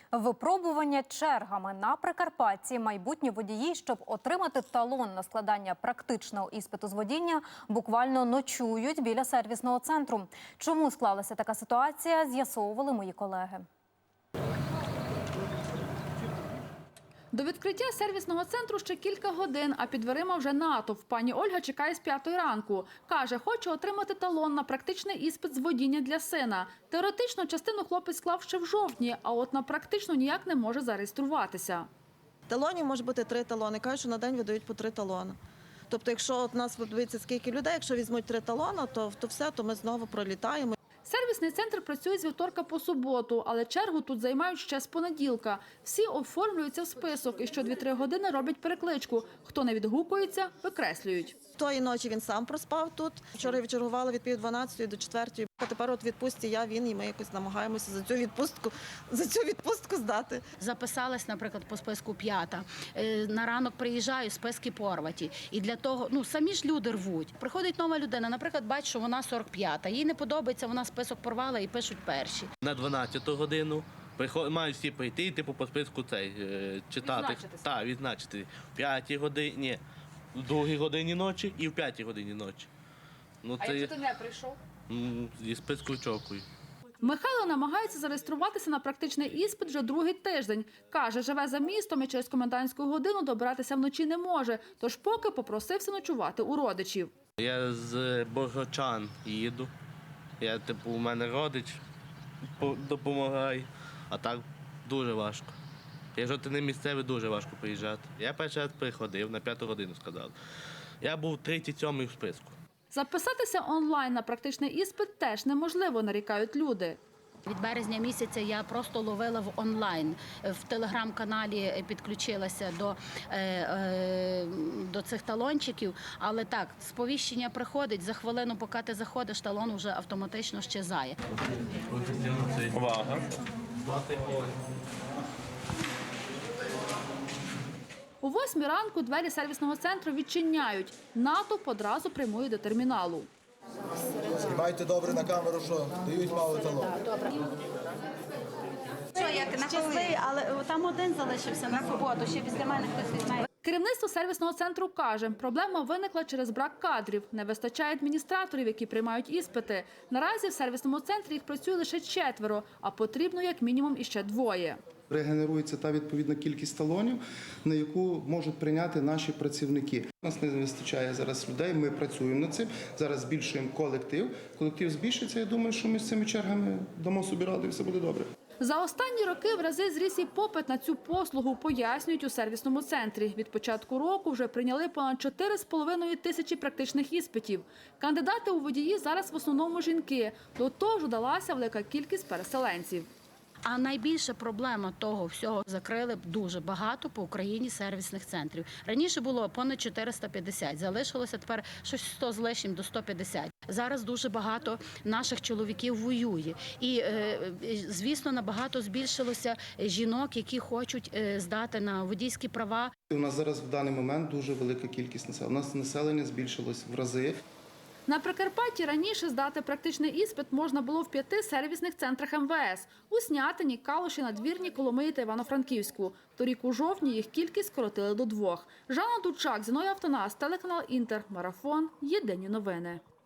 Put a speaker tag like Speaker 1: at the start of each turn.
Speaker 1: Випробування чергами на Прикарпатті. Майбутні водії, щоб отримати талон на складання практичного іспиту з водіння, буквально ночують біля сервісного центру. Чому склалася така ситуація, з'ясовували мої колеги.
Speaker 2: До відкриття сервісного центру ще кілька годин, а під дверима вже натовп. Пані Ольга чекає з 5 ранку. Каже, хоче отримати талон на практичний іспит з водіння для сина. Теоретично частину хлопець склав ще в жовтні, а от на практичну ніяк не може зареєструватися.
Speaker 3: Талонів може бути 3 талони. Кажуть, що на день видають по 3 талони. Тобто, якщо от нас подивиться скільки людей, якщо візьмуть 3 талони, то все, то ми знову пролітаємо.
Speaker 2: Сервісний центр працює з вівторка по суботу, але чергу тут займають ще з понеділка. Всі оформлюються в список і що 2-3 години роблять перекличку. Хто не відгукується, викреслюють.
Speaker 3: Тої ночі він сам проспав тут. Вчора відчергували від 11:30 до 4:00. А тепер от відпустці він і ми якось намагаємося за цю відпустку здати.
Speaker 4: Записалась, наприклад, по списку 5-та. На ранок приїжджаю, списки порваті. І для того, самі ж люди рвуть. Приходить нова людина, наприклад, бачить, що вона 45-та. Їй не подобається, вона список порвала і пишуть перші.
Speaker 5: На 12-ту годину мають всі прийти і по списку читати. Так, відзначити. В 5-й годині, в 2-й годині ночі і в 5-й годині ночі.
Speaker 2: Якщо ти не прийшов?
Speaker 5: Зі списку очікую.
Speaker 2: Михайло намагається зареєструватися на практичний іспит вже другий тиждень. Каже, живе за містом і через комендантську годину добиратися вночі не може, тож поки попросився ночувати у родичів.
Speaker 5: Я з Богородчан їду. У мене родич допомагає, а так дуже важко. Якщо ти не місцевий, дуже важко приїжджати. Я перший раз приходив, на 5-ту годину сказали. Я був 37-й в списку.
Speaker 2: Записатися онлайн на практичний іспит теж неможливо, нарікають люди.
Speaker 4: Від березня місяця я просто ловила в онлайн. В телеграм-каналі підключилася до цих талончиків. Але так, сповіщення приходить, за хвилину, поки ти заходиш, талон вже автоматично щезає.
Speaker 5: Увага!
Speaker 2: О 8 ранку двері сервісного центру відчиняють. Натовп одразу прямує до терміналу.
Speaker 6: Знімайте добре на камеру, що дають мало талон.
Speaker 4: Щасливий, але там один залишився на суботу, ще після мене хтось візьме.
Speaker 2: Керівництво сервісного центру каже, проблема виникла через брак кадрів. Не вистачає адміністраторів, які приймають іспити. Наразі в сервісному центрі їх працює лише 4, а потрібно як мінімум іще 2.
Speaker 7: Регенерується та відповідна кількість талонів, на яку можуть прийняти наші працівники. У нас не вистачає зараз людей, ми працюємо над цим, зараз збільшуємо колектив. Колектив збільшиться, я думаю, що ми з цими чергами дамо собі раду і все буде добре.
Speaker 2: За останні роки в рази зріс і попит на цю послугу, пояснюють у сервісному центрі. Від початку року вже прийняли понад 4,5 тисячі практичних іспитів. Кандидати у водії зараз в основному жінки. До того ж додалася велика кількість переселенців.
Speaker 4: А найбільша проблема того всього – закрили дуже багато по Україні сервісних центрів. Раніше було понад 450, залишилося тепер щось 100 з лишнім до 150. Зараз дуже багато наших чоловіків воює. І, звісно, набагато збільшилося жінок, які хочуть здати на водійські права.
Speaker 7: У нас зараз в даний момент дуже велика кількість населення. У нас населення збільшилось в рази.
Speaker 2: На Прикарпатті раніше здати практичний іспит можна було в 5 сервісних центрах МВС – у Снятині, Калуші, Надвірні, Коломиї та Івано-Франківську. Торік у жовтні їх кількість скоротили до 2. Жанна Дучак, Зіновій Автонас, телеканал Інтер, Марафон, Єдині новини.